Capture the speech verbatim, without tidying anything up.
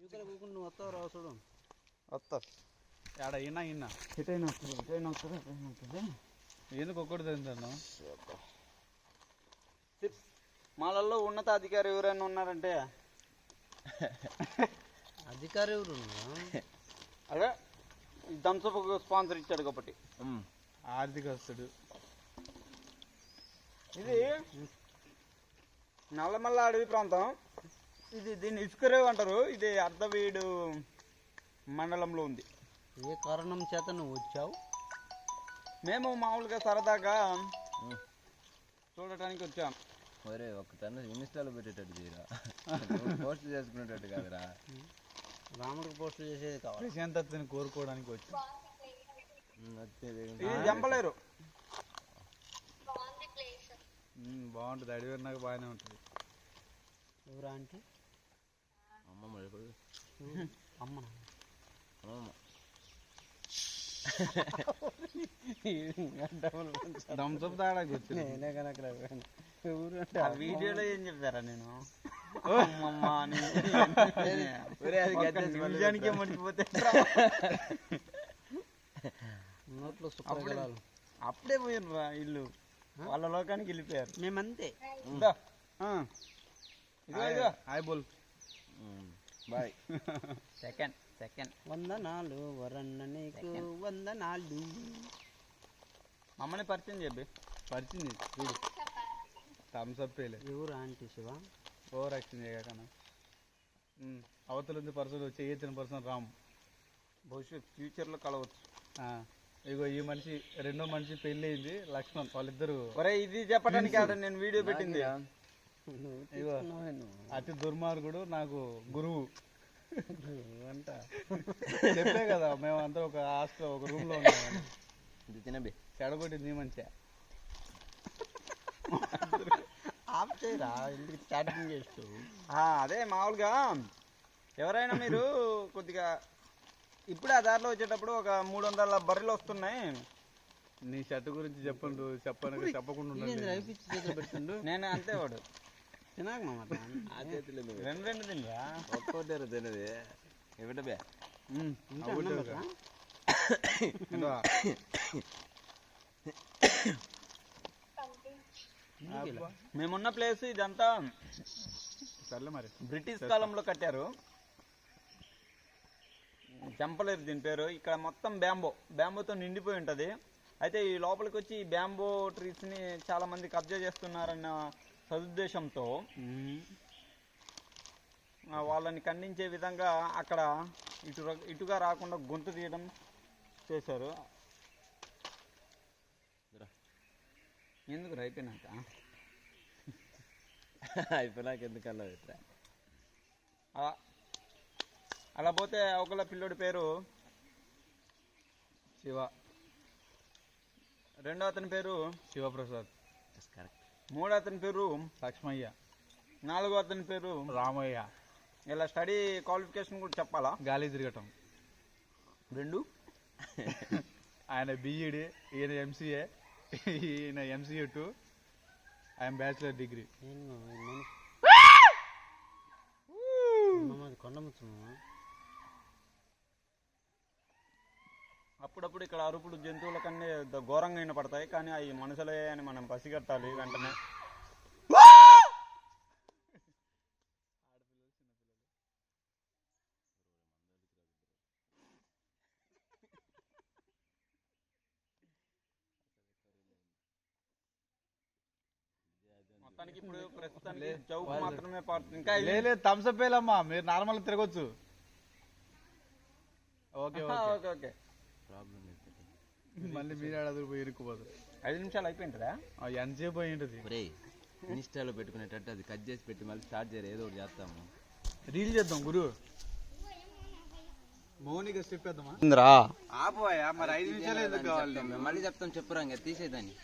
నువ్వు వస్తావు రావు చూడు వస్తా ఆడ అయినా అయినా ఎటైనా వస్తుంది ఎటైనా వస్తుంది ఎటైనా వస్తుంది ఎందుకు ఒక్కటి తింటాను. మాలల్లో ఉన్నతాధికారి ఎవరైనా ఉన్నారంటే అధికారి ఎవరు అదే థమ్స్అప్ స్పాన్సర్ ఇచ్చాడు కాబట్టి ఆర్థికస్తుడు. ఇది నల్లమల్ల అడవి ప్రాంతం. ఇది దీన్ని ఇసుకరేవు అంటారు. ఇది అర్ధవీడు మండలంలో ఉంది. ఏ కారణం చేత నువ్వు వచ్చావు? మేము మామూలుగా సరదాగా చూడటానికి వచ్చాం. ఒరే ఒక తన ఇన్స్టాలో పెట్టేటట్టు తీరా, పోస్ట్ చేసుకునేటట్టు కాదురా. రాముడికి పోస్ట్ చేసేది కావాలి. ప్రశాంతతని కోరుకోవడానికి వచ్చాం. ఇది జంపలేరు. బాగుంటుంది, అడవి నాకు బాగానే ఉంటుంది. ఎవరా అంటే అమ్మమ్మ అమ్మ అమ్మమ్మ థమ్స్అప్ తాగడానికి వచ్చింది. నేనే కనుక వీడియోలో ఏం చెప్తారా నేను నిజానికే మర్చిపోతే నోట్లో అప్పుడే పోయినరా ఇల్లు వాళ్ళ లోకానికి వెళ్ళిపోయారు. మేమంతే. హాయ్ బోల్ బాయ్. సెకండ్ సెకండ్ వందనాలు వరన్న నీకు వందనాలు. మమ్మల్ని పరిచయం చెప్పి పరిచింది చూడు. థమ్స్అప్ ఎవరు ఆంటీ శివ? ఓవర్ యాక్షన్ చేయకన్నా. అవతల ఉంది పర్సన్ చేయొచ్చిన పర్సన్ రామ్. భవిష్యత్ ఫ్యూచర్లో కలవచ్చు. ఇగో ఈ మనిషి రెండో మనిషి పెళ్లి అయింది, లక్ష్మణ్. వాళ్ళిద్దరు ఇది చెప్పడానికి నేను వీడియో పెట్టింది. ఇగో అతి దుర్మార్గుడు నాకు గురువు అంట. చెప్పే కదా మేము అంతా ఒక హాస్టల్ ఒక రూమ్ లో ఉన్నామని. తినబే చెడగొట్టింది మంచిగా. ఆఫ్ చేయరా ఎందుకు స్టార్టింగ్ చేస్తూ. అదే మామూలుగా ఎవరైనా మీరు కొద్దిగా ఇప్పుడే ఆ దారిలో వచ్చేటప్పుడు ఒక మూడు వందల బర్రెలు వస్తున్నాయి. నీ షర్ట్ గురించి చెప్పండు చెప్పను చెప్పకుండా పెడుతుండు. నేను అంతే వాడు తినాక రెండు రెండు తినరా ఒక్కోటారు తినది ఇవ్వటబే. మేమున్న ప్లేస్ ఇదంతా సర్లే మరి బ్రిటిష్ కాలంలో కట్టారు. చంపలేరు దీని పేరు. ఇక్కడ మొత్తం బ్యాంబో బ్యాంబోతో నిండిపోయి ఉంటుంది. అయితే ఈ లోపలికి వచ్చి ఈ బ్యాంబో ట్రీస్ని చాలా మంది కబ్జా చేస్తున్నారన్న సదుద్దేశంతో వాళ్ళని ఖండించే విధంగా అక్కడ ఇటు ఇటుగా రాకుండా గొంతు తీయడం చేశారు. ఎందుకు అయిపోయినాక అయిపోయినాక ఎందుకల్లా అలా పోతే ఒకళ్ళ పిల్లోడి పేరు శివ, రెండో అతని పేరు శివప్రసాద్, మూడో అతని పేరు లక్ష్మయ్య, నాలుగో అతని పేరు రామయ్య. ఇలా స్టడీ క్వాలిఫికేషన్ కూడా చెప్పాలా? గాలి తిరగటం రెండు. ఆయన బిఈడి, ఈయన ఎంసీఏ, ఈయన ఎంసీఏ టూ, ఆయన బ్యాచిలర్ డిగ్రీ. అప్పుడప్పుడు ఇక్కడ అరుపులు జంతువుల కన్నా ఘోరంగా అయిన పడతాయి, కానీ అవి మనుషులే అని మనం పసిగట్టాలి వెంటనే. మొత్తానికి ఇప్పుడు ప్రస్తుతానికి చౌక్ మాత్రమే ఇంకా థమ్స్అప్ వేలమ్మా, మీరు నార్మల్ తిరగొచ్చు. ఓకే ఓకే ఓకే మళ్ళీ మీరు ఆడదు పోయి ఇరుక్కుపోదు. ఐదు నిమిషాలు అయిపోయింటుందా? ఎంతసేపు పోయి ఉంటుంది. ఇన్స్టాలో పెట్టుకునేటట్టు అది కట్ చేసి పెట్టి మళ్ళీ స్టార్ట్ చేయరు, ఏదో ఒకటి చేస్తాము. రీల్ చేద్దాం గురు. మౌనిక స్టెప్ వేద్దామా? ఆపోయా మరి ఐదు నిమిషాలు ఎందుకు కావాలి? మళ్ళీ చెప్తాం చెప్పురా ఇంకా తీసేదాన్ని.